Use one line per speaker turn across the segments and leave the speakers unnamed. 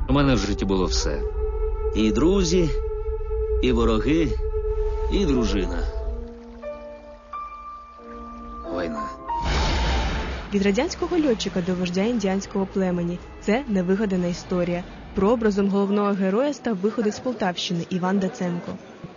У мене в житті було все. І друзі, і вороги, і дружина. Війна.
Від радянського льотчика до вождя індіанського племені – це невигадана історія. Прообразом головного героя став виходець з Полтавщини Іван Даценко.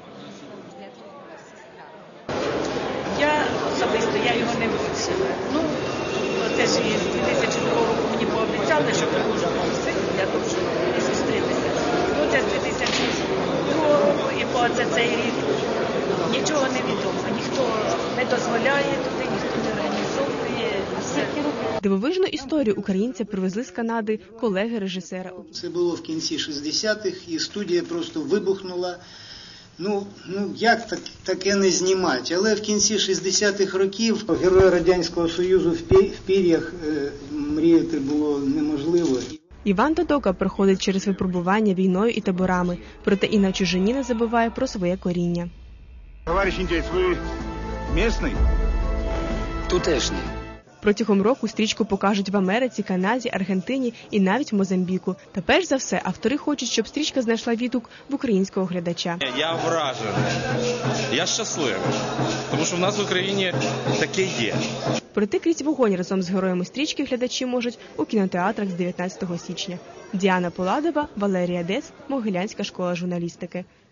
Я особисто його не вивчила. Це ж із 2002 року мені пообіцяли, що привожу вам син для того, щоб і зустрітися. Це з 2002 року і по цей рік нічого не відомо. Ніхто не дозволяє туди, ніхто не організовує.
Дивовижну історію українця привезли з Канади колеги режисера.
Це було в кінці 60-х, і студія просто вибухнула. Як таке не знімати? Але в кінці 60-х років герої Радянського Союзу в пір'ях мріяти було неможливо.
Іван Додока проходить через випробування війною і таборами, проте і на чужині не забуває про своє коріння.
Товариш індієць, ви місний?
Тутешній.
Протягом року стрічку покажуть в Америці, Канаді, Аргентині і навіть в Мозамбіку. Та перш за все, автори хочуть, щоб стрічка знайшла відгук в українського глядача.
Я вражений, я щасливий, тому що в нас в Україні таке є.
Пройти крізь вогонь разом з героями стрічки глядачі можуть у кінотеатрах з 19 січня. Діана Поладова, Валерія Дец, Могилянська школа журналістики.